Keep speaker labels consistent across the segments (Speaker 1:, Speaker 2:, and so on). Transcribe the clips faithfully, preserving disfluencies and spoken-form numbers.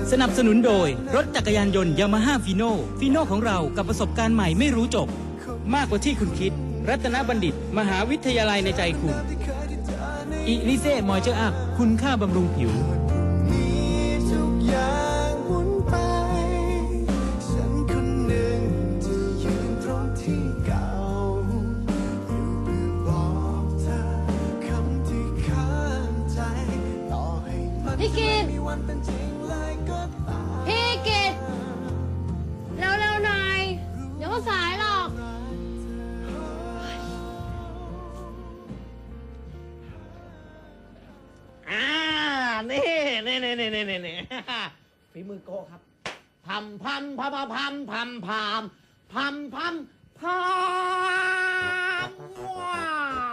Speaker 1: สนับสนุนโดยรถจักรยานยนต์ยามาฮ่าฟีโน่ฟีโน่ของเรากับประสบการณ์ใหม่ไม่รู้จบมากกว่าที่คุณคิดรัตนบัณฑิตมหาวิทยาลัยในใจคุณอิลิเซ่มอยเจอร์อัพคุณค่าบำรุงผิว
Speaker 2: พี่กิตพี่กิตเร็วๆหน่อยเดี๋ยวก็สายหรอก
Speaker 3: อ่านี่นี่นี่นี่นี่นี่ฝีมือโก้ครับพัมพัมพัมพัมพัมพัมพัมพัมพัมว้า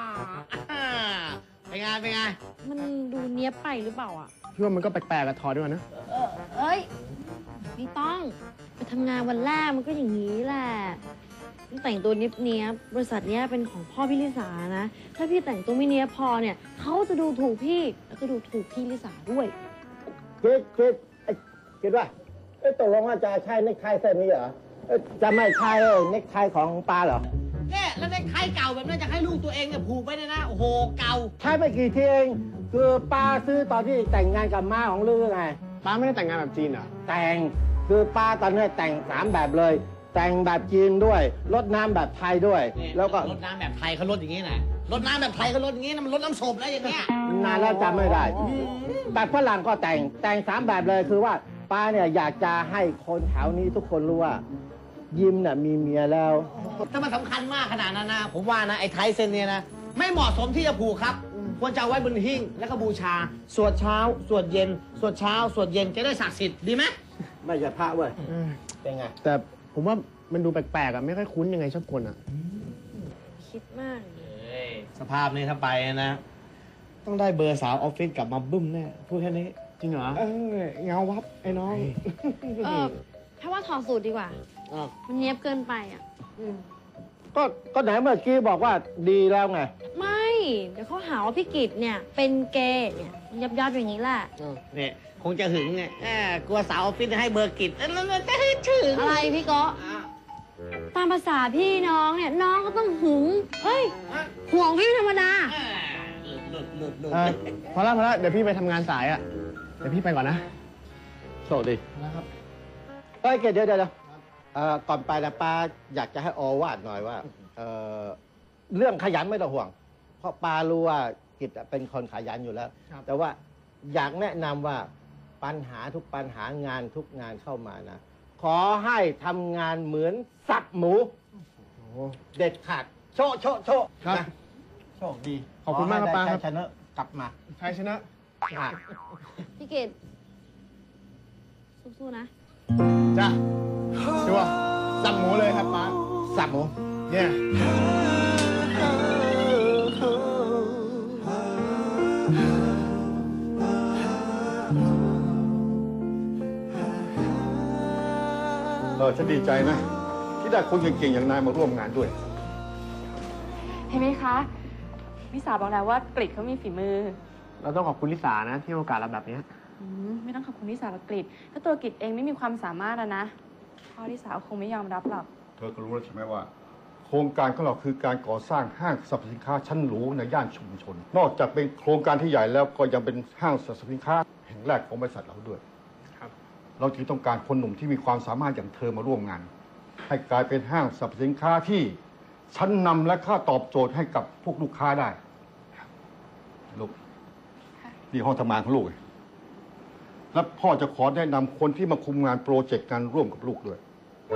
Speaker 3: เป็นไงเป็นไง
Speaker 2: มันดูเนี้ยบไปหรือเปล่าอ่ะ
Speaker 4: พี่ว่ามันก็แปลกๆกับทอด้วยนะ
Speaker 2: เออเอ้ยไม่ต้องไปทำงานวันแรกมันก็อย่างนี้แหละต้องแต่งตัวเนี้ยบบริษัทเนี้ยเป็นของพ่อพี่ลิสานะถ้าพี่แต่งตัวไม่เนี้ยพอเนี่ยเขาจะดูถูกพี่แล้วก็ดูถูกพี่ลิสาด้วย
Speaker 5: คิดคิดไอ้คิดว่าไอ้ตกลงว่าจะใช่เน็กไทเส้นนี้เหรอจะไม่ใช่เน็กไทของปลาเหรอ
Speaker 3: เนี่ยแล้วเน็กไทเก่าแบบนั้นจะให้ลูกตัวเองเนี่ยผูกไปเนี่ยนะโอ้โหเก่า
Speaker 5: ใช้ไปกี่ทีเองคือป้าซื้อตอนที่แต่งงานกับม้าของลือไง
Speaker 4: ป้าไม่ได้แต่งงานแบบจีนเหรอ
Speaker 5: แต่งคือป้าตอนนี้แต่งสามแบบเลยแต่งแบบจีนด้วยรดน้ำแบบไทยด้วยแล้วก็
Speaker 3: รดน้ำแบบไทยเขารดอย่างนี้นะรดน้ำแบบไทยเขารดอย่างนี้นะมันรดน้ำศพแล้วอย่างเงี้ย
Speaker 5: นานแล้วจำไม่ได้แบบฝรั่งก็แต่งแต่งสามแบบเลยคือว่าป้าเนี่ยอยากจะให้คนแถวนี้ทุกคนรู้ว่ายิ้มน่ะมีเมียแล้ว
Speaker 3: ถ้ามันสำคัญมากขนาดนั้นนะผมว่านะไอ้ไทยเซนเนี่ยนะไม่เหมาะสมที่จะผูกครับควรจะเอาไว้บนหิ้งแล้วก็บูชาสวดเช้าสวดเย็นสวดเช้าสวดเย็นจะได้ศักดิ์สิทธิ์ดีไหม
Speaker 5: ไม่ใช่พระเว้ยเป็นไง
Speaker 4: แต่ผมว่ามันดูแปลกๆอ่ะไม่ค่อยคุ้นยังไงชอบคนอ่ะ
Speaker 2: คิดมาก
Speaker 3: สภาพนี้ถ้าไปนะต้องได้เบอร์สาวออฟฟิศกลับมาบึ้มแน่พูดแค่นี้
Speaker 4: จริงเหรอ
Speaker 3: เออเงาวับไอ้น้อง
Speaker 2: เออถ้าว่าถอดสูตรดีกว่ามันเนี้ยบเกินไปอ่ะ
Speaker 5: ก็ก็ไหนเมื่อกี้บอกว่าดีแล้วไง
Speaker 2: ไม่เดี๋ยวเขาหาว่าพี่กิตเนี่ยเป็นเกย์เนี่ยยับยับอย่างนี้แหละ
Speaker 3: เนี่ยคงจะหึงไงกลัวสาวออฟฟิศให้เบอร์กิตแล้วจะให้ถึง
Speaker 2: อะไรพี่ก็ตามภาษาพี่น้องเนี่ยน้องก็ต้องหึงเฮ้ยห่วงพี่ธรรมดา
Speaker 4: พอแล้วพอแล้วเดี๋ยวพี่ไปทำงานสายอ่ะเดี๋ยวพี่ไปก่อนนะ
Speaker 5: โชคดี
Speaker 4: นะครับ
Speaker 5: เฮ้ยเดี๋ยวเดี๋ยวเดี๋ยวก่อนไปนะป้าอยากจะให้อวาดหน่อยว่าเเรื่องขยันไม่ต้องห่วงเพราะป้ารู้ว่ากิจเป็นคนขยันอยู่แล้วแต่ว่าอยากแนะนำว่าปัญหาทุกปัญหางานทุกงานเข้ามานะขอให้ทำงานเหมือนสับหมูเด็ดขาดโชว์โชว์โชว์
Speaker 4: ครับ
Speaker 5: โชคดี
Speaker 4: ขอบคุณมากครับป้าครับ
Speaker 5: ชนะกลับมา
Speaker 4: ชัยชนะ
Speaker 2: พี่เกดสู้ๆนะ
Speaker 4: จ้ะชัวร์สับหมูเลยครับป้า
Speaker 5: สับหมู
Speaker 4: เนี่ย
Speaker 6: เออฉันดีใจนะที่ได้คนเก่งๆอย่างนายมาร่วมงานด้วย
Speaker 7: เห็นไหมคะลิสาบอกแล้วว่ากฤษเขามีฝีมือ
Speaker 4: เราต้องขอบคุณลิสานะที่ให้โอกาสเราแบบนี้
Speaker 7: ไม่ต้องขอบคุณลิสาหรอกกฤษถ้าตัวกฤษเองไม่มีความสามารถนะพ่อลิสาคงไม่ยอมรับหรอก
Speaker 6: เธอก็รู้แล้วใช่ไหมว่าโครงการของเราคือการก่อสร้างห้างสรรพสินค้าชั้นหรูในย่านชุมชนนอกจากเป็นโครงการที่ใหญ่แล้วก็ยังเป็นห้างสรรพสินค้าแห่งแรกของบริษัทเราด้วยเราจึงต้องการคนหนุ่มที่มีความสามารถอย่างเธอมาร่วมงานให้กลายเป็นห้างสรรพสินค้าที่ชั้นนำและค่าตอบโจทย์ให้กับพวกลูกค้าได้ลูกนี่ห้องทำงานของลูกและพ่อจะขอแนะนำคนที่มาคุมงานโปรเจกต์การร่วมกับลูกด้วย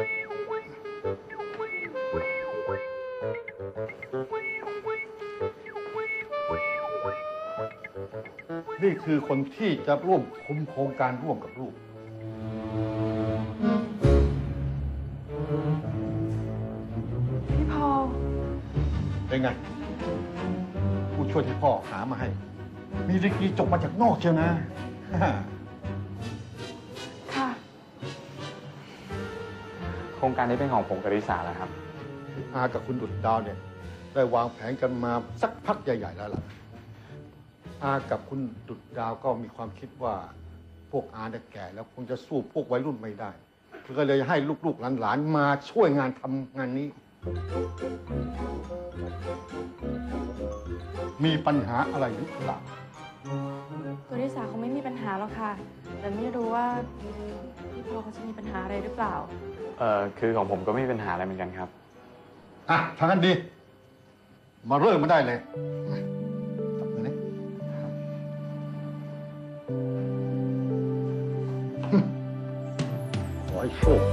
Speaker 6: นี่คือคนที่จะร่วมคุมโครงการร่วมกับลูก
Speaker 7: พี่พอล
Speaker 6: เป็นไงผู้ช่วยที่พ่อหามาให้มีดีกรีจบมาจากนอกเชียวนะ
Speaker 7: ค่ะ
Speaker 4: โครงการนี้เป็นของผมกับริสาแล้วครับ
Speaker 6: อากับคุณดุจดาวเนี่ยได้วางแผนกันมาสักพักใหญ่ๆแล้วล่ะอากับคุณดุจดาวก็มีความคิดว่าพวกอาเนี่ยแก่แล้วคงจะสู้พวกวัยรุ่นไม่ได้ก็เลยให้ลูกๆหลานๆมาช่วยงานทำงานนี้ มีปัญหาอะไรหรือเปล่า
Speaker 7: ตัวลิสาคงไม่มีปัญหาหรอกค่ะ แต่ไม่รู้ว่าพี่พอเขาจะมีปัญหาอะไรหรือเปล่า
Speaker 8: เอ่อคือของผมก็ไม่มีปัญหาอะไรเหมือนกันครับ
Speaker 6: อ่ะทางนั้นดี มาเริ่มมาได้เลยจับมือนี่ขอให้โชคดี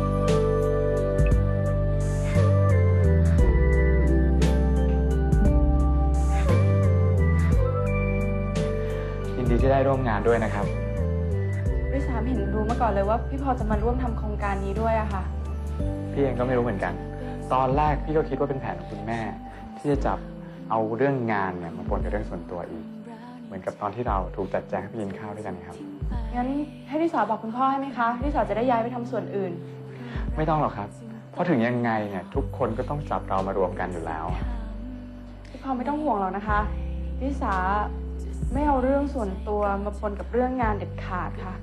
Speaker 8: ยินดีที่ได้ร่วมงานด้วยนะครับ
Speaker 7: ลิสาไม่เห็นรู้มาก่อนเลยว่าพี่พอจะมาร่วมทำโครงการนี้ด้วยอะค่ะ
Speaker 8: พี่เองก็ไม่รู้เหมือนกัน ตอนแรกพี่ก็คิดว่าเป็นแผนของคุณแม่ ที่จะจับเอาเรื่องงานเนี่ยมาปนกับเรื่องส่วนตัวอีก เหมือนกับตอนที่เราถูกจัดแจงให้ไปกินข้าวด้วยกันครับ
Speaker 7: งั้นให้ลิสาบอกคุณพ่อให้ไหมคะลิสาจะได้ย้ายไปทำส่วนอื่น
Speaker 8: ไม่ต้องหรอกครับ เพราะถึงยังไงเนี่ยทุกคนก็ต้องจับเรามารวมกันอยู่แล้ว
Speaker 7: พี่พอไม่ต้องห่วงหรอกนะคะลิสาไม่เอาเรื่องส่วนตัวมาปนกับเรื่องงานเด็ดขาดค่ะ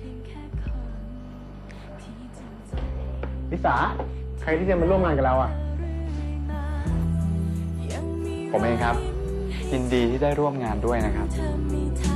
Speaker 4: ลิสาใครที่จะมาร่วมงานกับเราอ่ะ
Speaker 8: ผมเองครับ ยินดีที่ได้ร่วมงานด้วยนะครับ
Speaker 9: เธอมีท